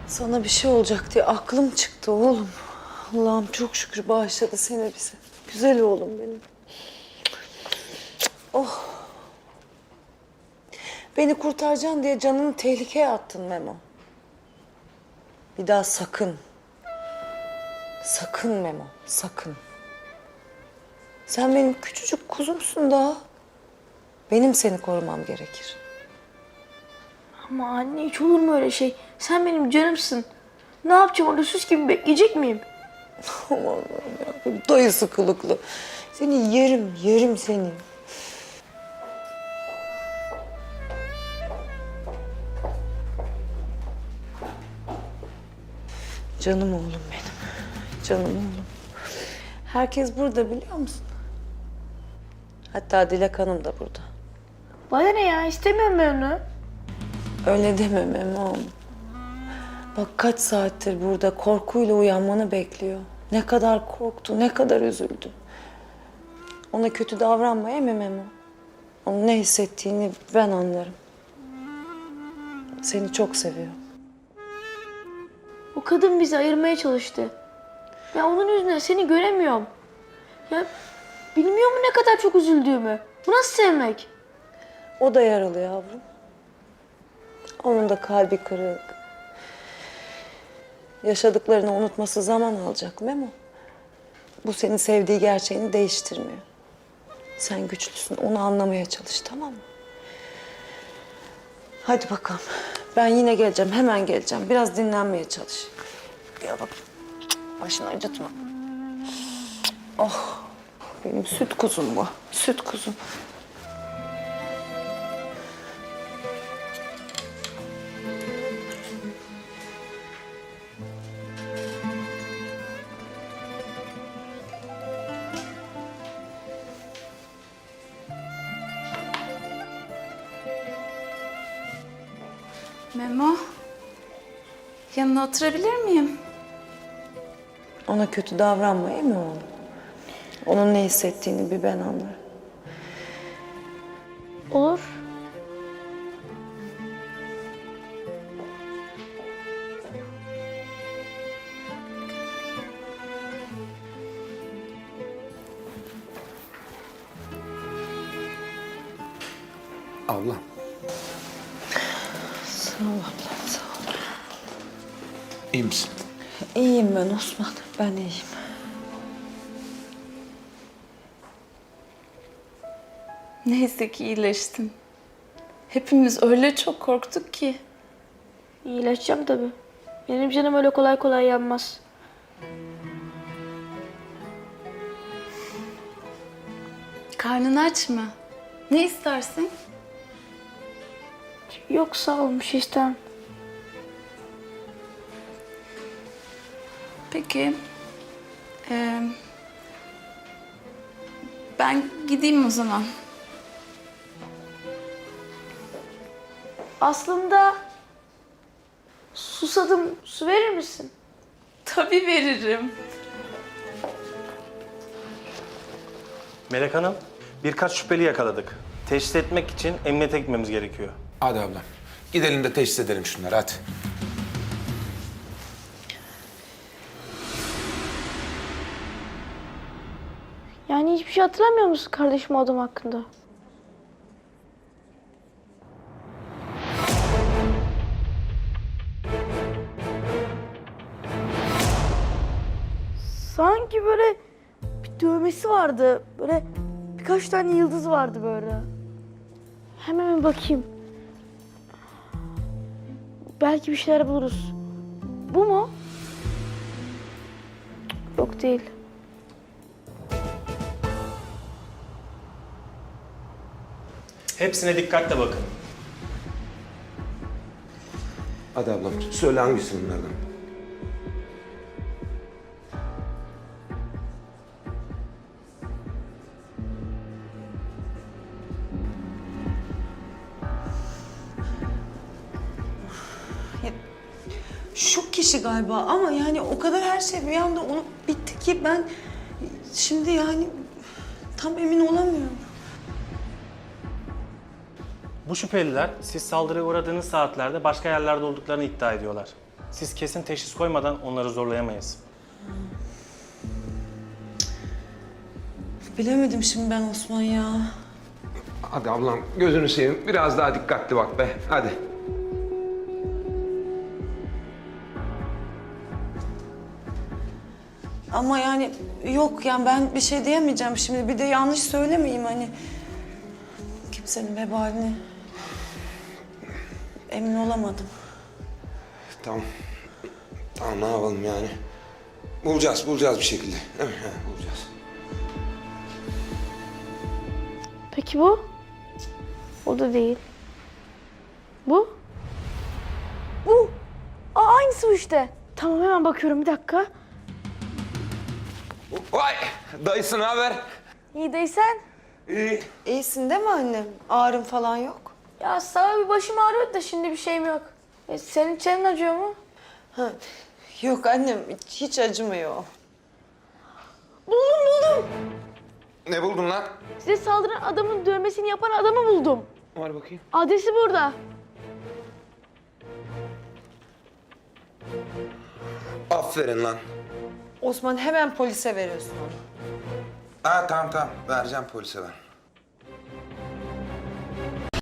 Sana bir şey olacak diye aklım çıktı oğlum. Allah'ım çok şükür bağışladı seni bize. Güzel oğlum benim. Oh. Beni kurtaracaksın diye canını tehlikeye attın Memo. Bir daha sakın. Sakın Memo, sakın. Sen benim küçücük kuzumsun daha. Benim seni korumam gerekir. Ama anne hiç olur mu öyle şey? Sen benim canımsın. Ne yapacağım orada süs gibi bekleyecek miyim? Aman Allah'ım ya, dayısı kılıklı. Seni yerim, yerim seni. Canım oğlum benim. Canım oğlum. Herkes burada biliyor musun? Hatta Dilek Hanım da burada. Bana ne ya? İstemiyorum ben onu. Öyle deme Memo'm. Bak kaç saattir burada korkuyla uyanmanı bekliyor. Ne kadar korktu, ne kadar üzüldü. Ona kötü davranmaya mı Memo? Onun ne hissettiğini ben anlarım. Seni çok seviyor. O kadın bizi ayırmaya çalıştı. Ya onun yüzünden seni göremiyorum. Ya bilmiyor mu ne kadar çok üzüldüğümü? Bu nasıl sevmek? O da yaralı yavrum. Onun da kalbi kırık. Yaşadıklarını unutması zaman alacak Memo. Bu senin sevdiği gerçeğini değiştirmiyor. Sen güçlüsün, onu anlamaya çalış, tamam mı? Hadi bakalım. Ben yine geleceğim, hemen geleceğim. Biraz dinlenmeye çalış. Gel bak, başını acıtma. Oh, benim süt kuzum bu, süt kuzum. Memo, yanına oturabilir miyim? Ona kötü davranmayayım mı oğlum? Onun ne hissettiğini bir ben anlarım. Olur. Abla. Sağ ol ablam, sağ ol. İyi misin? İyiyim ben Osman, ben iyiyim. Neyse ki iyileştin. Hepimiz öyle çok korktuk ki. İyileşeceğim tabii. Benim canım öyle kolay kolay yanmaz. Karnın aç mı? Ne istersin? Yok sağ ol, bir şey istemem. Peki. Ben gideyim o zaman. Aslında susadım, su verir misin? Tabii veririm. Melek Hanım, birkaç şüpheli yakaladık. Teşhis etmek için emniyete gitmemiz gerekiyor. Hadi ablam. Gidelim de teşhis edelim şunları hadi. Yani hiçbir şey hatırlamıyor musun kardeşim o adam hakkında? Sanki böyle bir dövmesi vardı. Böyle birkaç tane yıldız vardı böyle. Hemen bir bakayım. Belki bir şeyler buluruz. Bu mu? Yok değil. Hepsine dikkatle bakın. Hadi ablam. Söyle hangisi bunlardan? Şu kişi galiba ama yani o kadar her şey bir anda olup bitti ki ben şimdi yani tam emin olamıyorum. Bu şüpheliler siz saldırıya uğradığınız saatlerde başka yerlerde olduklarını iddia ediyorlar. Siz kesin teşhis koymadan onları zorlayamayız. Bilemedim şimdi ben Osman ya. Hadi ablam gözünü seveyim. Biraz daha dikkatli bak be. Hadi. Ama yani yok yani ben bir şey diyemeyeceğim şimdi. Bir de yanlış söylemeyeyim hani. Kimsenin vebalini emin olamadım. Tamam. Tamam ne yapalım yani? Bulacağız bir şekilde. Değil mi? He, bulacağız. Peki bu? O da değil. Bu? Bu. Aynısı bu işte. Tamam hemen bakıyorum bir dakika. Vay! Dayısı ne haber? İyi değilsen. İyi. İyisin değil mi annem? Ağrın falan yok. Ya sağ bir başım ağrıyor da şimdi bir şeyim yok. Senin çenen acıyor mu? Ha. Yok annem hiç acımıyor. Buldum. Ne buldun lan? Size saldıran adamın dövmesini yapan adamı buldum. Var bakayım. Adresi burada. Aferin lan. Osman hemen polise veriyorsun onu. Ha tamam. Vereceğim polise ben.